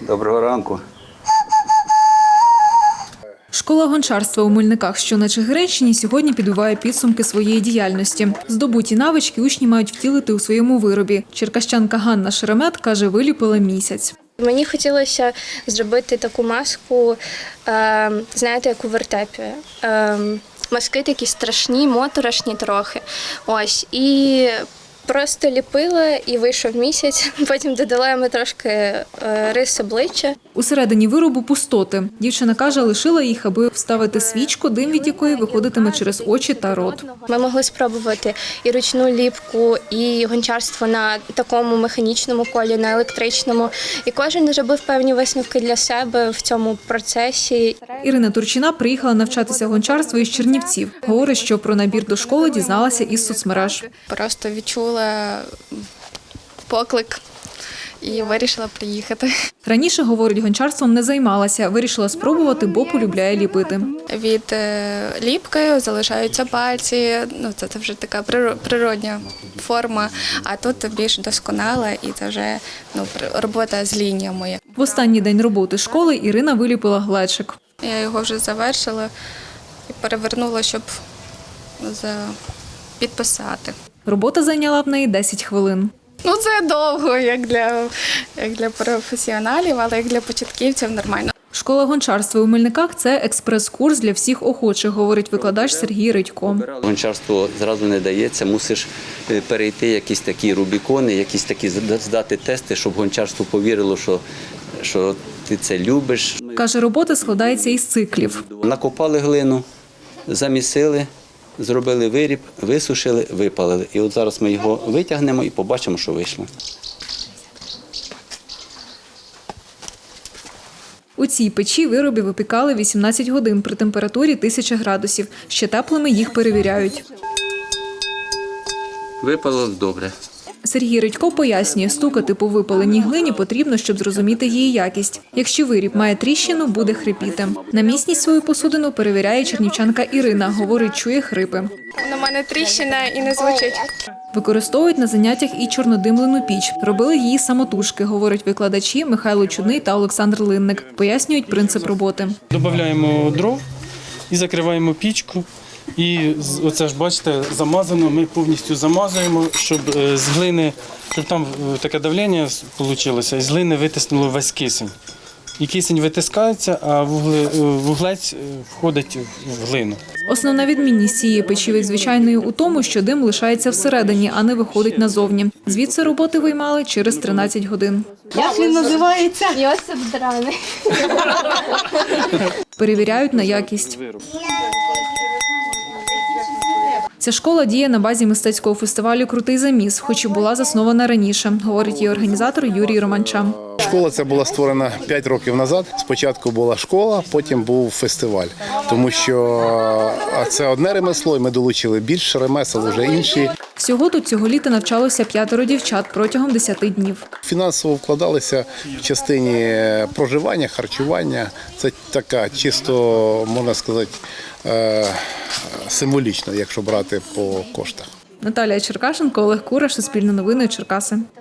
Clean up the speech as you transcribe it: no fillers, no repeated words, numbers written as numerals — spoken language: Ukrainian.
Доброго ранку. Школа гончарства у Мельниках, що на Чигиринщині, сьогодні підбиває підсумки своєї діяльності. Здобуті навички учні мають втілити у своєму виробі. Черкащанка Ганна Шеремет каже, виліпила місяць. Мені хотілося зробити таку маску, знаєте, як у вертепі. Маски такі страшні, моторошні трохи. Ось. І просто ліпила і вийшов місяць. Потім додала йому трошки рис обличчя. Усередині виробу пустоти. Дівчина каже, лишила їх, аби вставити свічку, дим від якої виходитиме через очі та рот. Ми могли спробувати і ручну ліпку, і гончарство на такому механічному колі, на електричному. І кожен зробив певні висновки для себе в цьому процесі. Ірина Турчина приїхала навчатися гончарству із Чернівців. Говорить, що про набір до школи дізналася із соцмереж. Просто відчула поклик і вирішила приїхати. Раніше, говорить, гончарством не займалася. Вирішила спробувати, бо полюбляє ліпити. Від ліпки залишаються пальці, це вже така природня форма, а тут більш досконала і це вже робота з лініями. В останній день роботи школи Ірина виліпила глечик. Я його вже завершила і перевернула, щоб підписати. Робота зайняла в неї 10 хвилин. Це довго, як для професіоналів, але як для початківців нормально. Школа гончарства у Мельниках – це експрес-курс для всіх охочих, говорить викладач Сергій Редько. Гончарство зразу не дається, мусиш перейти якісь такі рубікони, якісь такі здати тести, щоб гончарство повірило, що ти це любиш. Каже, робота складається із циклів. Накопали глину, замісили, зробили виріб, висушили, випалили. І от зараз ми його витягнемо і побачимо, що вийшло. У цій печі вироби випікали 18 годин при температурі 1000 градусів. Ще теплими їх перевіряють. Випало добре. Сергій Редько пояснює, стукати по випаленій глині потрібно, щоб зрозуміти її якість. Якщо виріб має тріщину, буде хрипіти. На міцність свою посудину перевіряє чернівчанка Ірина. Говорить, чує хрипи. У мене тріщина і не звучить. Використовують на заняттях і чорнодимлену піч. Робили її самотужки, говорять викладачі Михайло Чудний та Олександр Линник. Пояснюють принцип роботи. Додаємо дров і закриваємо пічку. І оце ж, бачите, замазано, ми повністю замазуємо, щоб з глини, щоб там таке давлення вийшло, і з глини витиснуло весь кисень. І кисень витискається, а вуглець входить в глину. Основна відмінність цієї печі від звичайної у тому, що дим лишається всередині, а не виходить назовні. Звідси роботи виймали через 13 годин. Як він називається? Йосип Драний. Перевіряють на якість. Ця школа діє на базі мистецького фестивалю «Крутий заміс», хоч і була заснована раніше, говорить її організатор Юрій Романча. Школа ця була створена 5 років назад. Спочатку була школа, потім був фестиваль. Тому що це одне ремесло, і ми долучили більше ремесел, вже інші. Всього тут цього літа навчалося 5 дівчат протягом 10 днів. Фінансово вкладалися в частині проживання, харчування. Це така чисто, можна сказати, символічно, якщо брати по коштах. Наталія Черкашенко, Олег Кураш, Суспільне новини, Черкаси.